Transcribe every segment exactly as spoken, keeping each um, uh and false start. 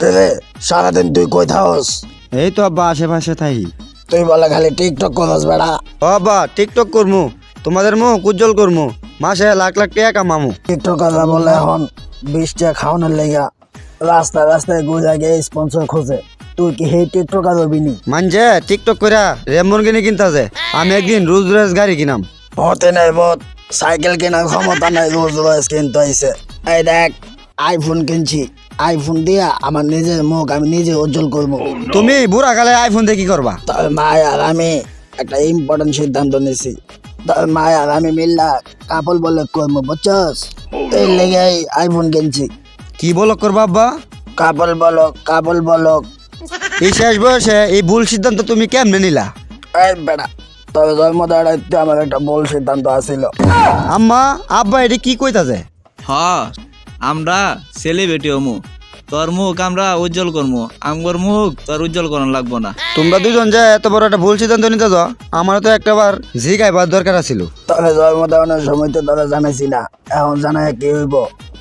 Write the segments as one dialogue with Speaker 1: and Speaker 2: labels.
Speaker 1: তেরে সারাদিন তুই কই থাকস?
Speaker 2: এই তো আব্বা আশেপাশে থাই।
Speaker 1: তুই বলে খালি টিকটক করস বেড়া।
Speaker 2: ও আব্বা টিকটক করমু, তোমাদের মুখ উজ্জ্বল করমু, মাসে লাখ লাখ টাকা কামামু।
Speaker 1: টিকটকাররা বলে এখন বিশ টাকা খাওয়ানোর লেগা রাস্তায় রাস্তায় ঘুরে গিয়ে স্পন্সর খোঁজে। তুই কি হে টিকটকার হবি নি?
Speaker 2: মানছে টিকটক কইরা রেমবরগিনি কিনতাছে, আমি একদিন রোজ রোজ গাড়ি কিনাম।
Speaker 1: হতে নাই বত, সাইকেল কেনার ক্ষমতা নাই, রোজ রোজ কিনতে হয়েছে। এই দেখ আইফোন কিনছি, আইফোন দিয়া আমার নিজের মুখ আমি নিজে উজ্জ্বল করবো।
Speaker 2: তুমি বুড়া কালে আইফোন দিয়ে কি করবা?
Speaker 1: তবে মায় আর আমি একটা ইম্পর্টেন্ট সিদ্ধান্ত নিছি। তবে মায় আর আমি মিল্লা কাপল বলে করবো, বুঝছস? এই লেগে আইফোন কিনছি।
Speaker 2: কি বলক করবা আব্বা?
Speaker 1: কাপল বলক, কাপল বলক।
Speaker 2: এই শেষ বয়সে এই ভুল সিদ্ধান্ত তুমি কেমনে নিলা?
Speaker 1: এই বেটা, তবে জন্মদায়িত্বে আমার একটা ভুল সিদ্ধান্ত আসিল।
Speaker 2: আম্মা আব্বা এটা কি কইতাছে?
Speaker 3: হ আমরা সেলিব্রিটি হমু, তোর মুখ আমরা উজ্জ্বল করমু, আমগর মুখ তোর উজ্জ্বল করান লাগবো না।
Speaker 2: তোমরা দুজন যে এত বড় একটা ভুল সিদ্ধান্ত নিতেছ, আমার তো একটাবার জিগাইবার দরকার ছিল।
Speaker 1: তবে জন্মদানের সময় তো তোরা জানাইছি না, এখন জানাই কি হইব?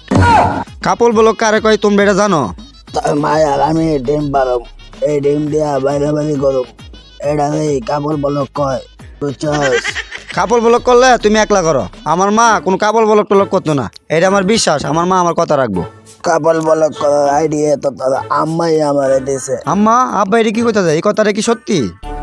Speaker 2: কাপল বলো কারে কয় তোমরা এটা জানো?
Speaker 1: তবে মায় আর আমি ডিম পারম, এই ডিম দিয়া বাইরে বাইরে করুম, এটা এই কাপল বলক কয়, বুঝছস?
Speaker 2: কাপল ব্লক করলে তুমি একলা করো, আমার মা কোনো কাপল ব্লক টলক করতো না, এটা আমার বিশ্বাস। আমার মা আমার কথা রাখবো।
Speaker 1: কাপল বলক করার আইডিয়া তো তোরা আম্মাই আমারে দিছে।
Speaker 2: আম্মা আব্বা এটা কি কইতাছে? এই কথাটা কি সত্যি?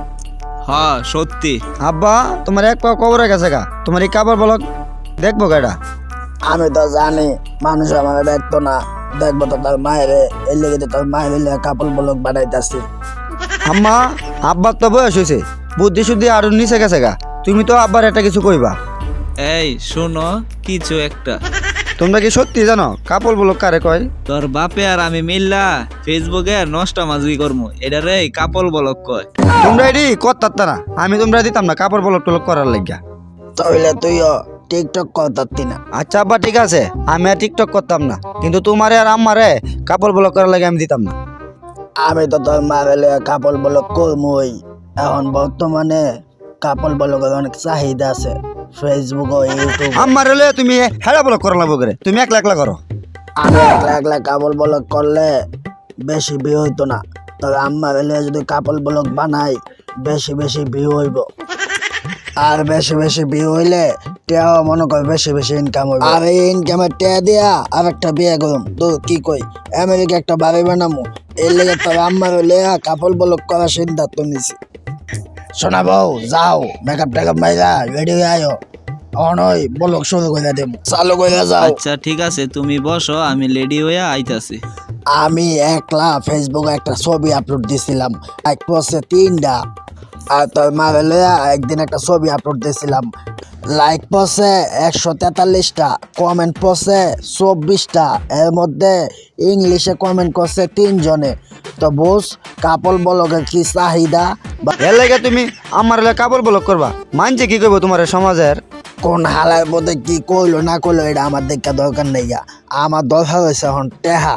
Speaker 3: হ সত্যি।
Speaker 2: আব্বা তোমার এক পা কবরে গেছে গা, তোমার এই কাপল ব্লক দেখবো কেডা?
Speaker 1: আমি তো জানি মানুষ আমারে দেখতো না, দেখবো তো তার মায়ের, এই লেগে তো তার মায়ের কাপল বলক বানাইতাছি।
Speaker 2: আম্মা আব্বার তো বয়স হয়েছে, বুদ্ধি শুদ্ধি আরো নিচে গেছে গা, তুমি তো আব্বার একটা কিছু কইবা।
Speaker 3: এই শোনো কিছু একটা,
Speaker 2: তোমরা কি সত্যি জানো কাপল ব্লক কারে কয়?
Speaker 3: তোর বাপে আর আমি মিল্লা ফেসবুকে নষ্ট মাজুই করমু, এটা রে কাপল বলক কয়।
Speaker 2: তোমরা এটি করতারতা না, আমি তোমরা দিতাম না কাপড় ব্লক টলক করার লাগিয়া।
Speaker 1: তাহলে তুইও টিকটক করতারতি না?
Speaker 2: আচ্ছা আব্বা ঠিক আছে, আমি আর টিকটক করতাম না, কিন্তু তোমারে আর আমারে কাপড় ব্লক করার লাগে আমি দিতাম না।
Speaker 1: আমি তো তোর মারে কাপল বলক করমই। এখন বর্তমানে কাপল বলকের অনেক চাহিদা আছে ফেসবুক ও ইউটিউব।
Speaker 2: আমার হলে তুমি হেড়া ব্লক করা লাগবো করে, তুমি একলা একলা করো।
Speaker 1: আমি একলা একলা কাপল বলক করলে বেশি ভিউ হইতো না, তবে আমার হলে যদি কাপল বলক বানাই বেশি বেশি ভিউ হইব। আর বেশি বেশি ভিউ হইলে টেয়াও মনে কর বেশি বেশি ইনকাম হইব। আর এই ইনকামের টেয়া দিয়া আর একটা বিয়ে করুম। তো কি কই, আমেরিকা একটা বাড়ি বানামু, এই লেগে তবে আমার হলে কাপল বলক করার সিদ্ধান্ত নিছি। শোনা বউ, যাও মেকআপ টেকআপ মাইরা রেডি হয়ে আয়ো, অনই বলক শুরু করে দেব, চালু করে যাও।
Speaker 3: আচ্ছা ঠিক আছে, তুমি বসো, আমি লেডি হইয়া আইতাছি।
Speaker 1: আমি একলা ফেসবুকে একটা ছবি আপলোড দিছিলাম, এক পোস্টে তিনটা। আর তোর মারে লইয়া একদিন একটা ছবি আপলোড দিছিলাম, লাইক পোস্টে একশো তেতাল্লিশটা, কমেন্ট পোস্টে চব্বিশটা, এর মধ্যে ইংলিশে কমেন্ট করছে তিনজনে। তো বুঝ কাপল বলকের কি চাহিদা।
Speaker 2: এর লাগে তুমি আমার হলে কাপড় ব্লক করবা, মানছে কি করবো তোমার সমাজের?
Speaker 1: কোন হালার মধ্যে কি কইলো না কইলো এটা আমার দেখা দরকার নেই, আমার দরকার হয়েছে এখন টেহা।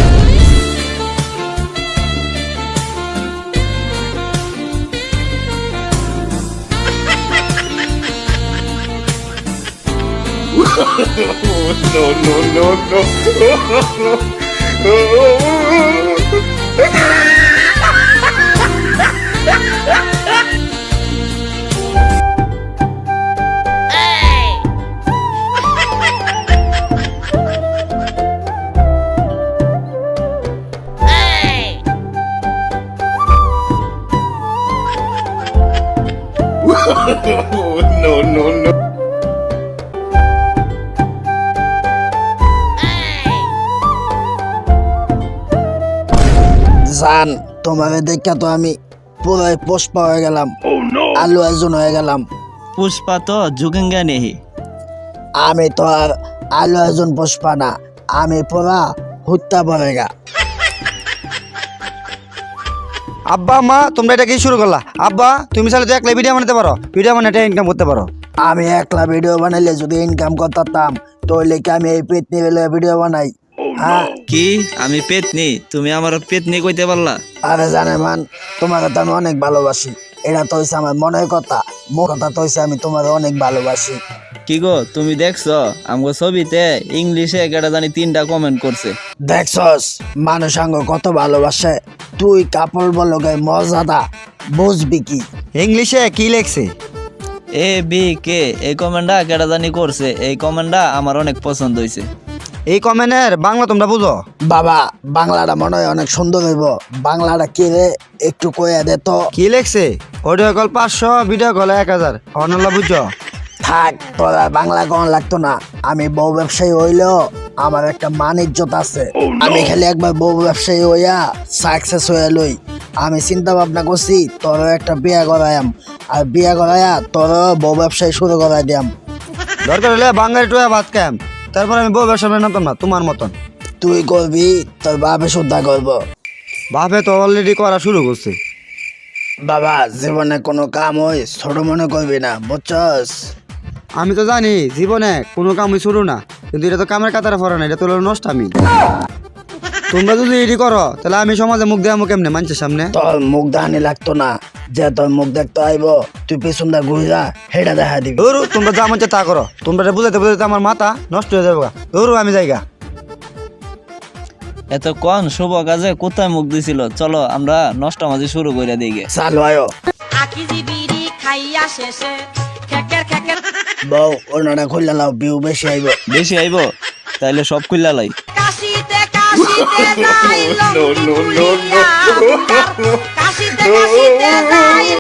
Speaker 1: জান তোমার দেখা তো আমি পুরাই পুষ্পা হয়ে গেলাম, আলু একজন হয়ে গেলাম।
Speaker 3: পুষ্পা তো ঝুঁকেঙ্গা নেহি।
Speaker 1: আমি তো আর আলু একজন পুষ্পা না, আমি পুরা হুত্তা পড়েগা।
Speaker 2: আব্বা মা তোমরা এটা কি শুরু করলা? আব্বা তুমি চাইলে তো একলা ভিডিও বানাতে পারো, ভিডিও বানাতে ইনকাম করতে পারো।
Speaker 1: আমি একলা ভিডিও বানাইলে যদি ইনকাম করতাম তাহলে কি আমি এই পেট নিয়ে ভিডিও বানাই? হ্যাঁ
Speaker 3: কি আমি পেতনি? তুমি আমার পেতনি কইতে পারলা?
Speaker 1: আরে জানে মান, তোমাকে তো আমি অনেক ভালোবাসি, এটা তো হইছে আমার মনের কথা, মোর কথা তো হইছে আমি তোমার অনেক ভালোবাসি।
Speaker 3: কি গো তুমি দেখছো আমগো ছবিতে ইংলিশে কেটা জানি তিনটা কমেন্ট করছে।
Speaker 1: দেখছস মানুষ আঙ্গ কত ভালোবাসে, তুই কাপড় বলকে মজাদা বুঝবি কি?
Speaker 2: ইংলিশে কি লেখছে?
Speaker 3: এ বি কে এই কমেন্টটা কেটা জানি করছে, এই কমেন্টটা আমার অনেক পছন্দ হয়েছে।
Speaker 2: এই কমেন্টের বাংলা তোমরা বুঝো?
Speaker 1: বাবা বাংলাটা মনে হয় অনেক সুন্দর হইব, বাংলাটা কি রে একটু কইয়া দে তো।
Speaker 2: কি লেখছে? অডিও কল পাঁচশো, ভিডিও কল এক হাজার। অনলা বুঝছো?
Speaker 1: থাক তোর আর বাংলা কখন লাগতো না, আমি বউ ব্যবসায়ী হইলেও আমার একটা মান ইজ্জত আছে। আমি খালি একবার বউ ব্যবসায়ী হইয়া সাকসেস হইয়া লই, আমি চিন্তা ভাবনা করছি তোরও একটা বিয়া করাইম, আর বিয়া করাইয়া তোরও বউ ব্যবসায়ী শুরু করাই দিয়াম।
Speaker 2: দরকার হলে বাঙালি টুয়া ভাত খাম, তারপর আমি বউ ব্যবসা নামতাম না তোমার মতন।
Speaker 1: তুই করবি, তোর বাপে শুদ্ধা করব।
Speaker 2: বাপে তো অলরেডি করা শুরু করছে।
Speaker 1: বাবা জীবনে কোনো কাম হয় ছোট মনে করবি না, বুঝছস?
Speaker 2: আমি তো জানি জীবনে কোনো কামই শুরু না, কিন্তু এটা তো কামের কাতারে পড়ে না, এটা তো হলো নষ্ট। আমি তোমরা যদি এটি করো তাহলে আমি সমাজে মুখ দেওয়া কেমনে মানুষের সামনে?
Speaker 1: তোর মুখ দাহানি লাগতো না, যে তোর মুখ দেখতে আইব তুই পেছন দা ঘুরে যা, হেটা দেখা দিবি।
Speaker 2: ধরু তোমরা যা মন চায় তা করো, তোমরা এটা বুঝাইতে বুঝাইতে আমার মাথা নষ্ট হয়ে যাবে। ধরু আমি যাইগা।
Speaker 3: এত কোন শুভ কাজে কোথায় মুখ দিছিল, চলো আমরা নষ্ট মাঝে শুরু করে দিই গে।
Speaker 1: চালু আয়ো
Speaker 4: আকিজি বিড়ি খাইয়া শেষে খেকের খেকের
Speaker 1: বউ ওনাটা খুললে লাও, বিউ বেশি আইব।
Speaker 3: বেশি আইব তাইলে সব খুললা লাই।
Speaker 4: কাশিতে কাশিতে যাই লঙ্গি খুলিয়া কাশিতে কাশিতে যাই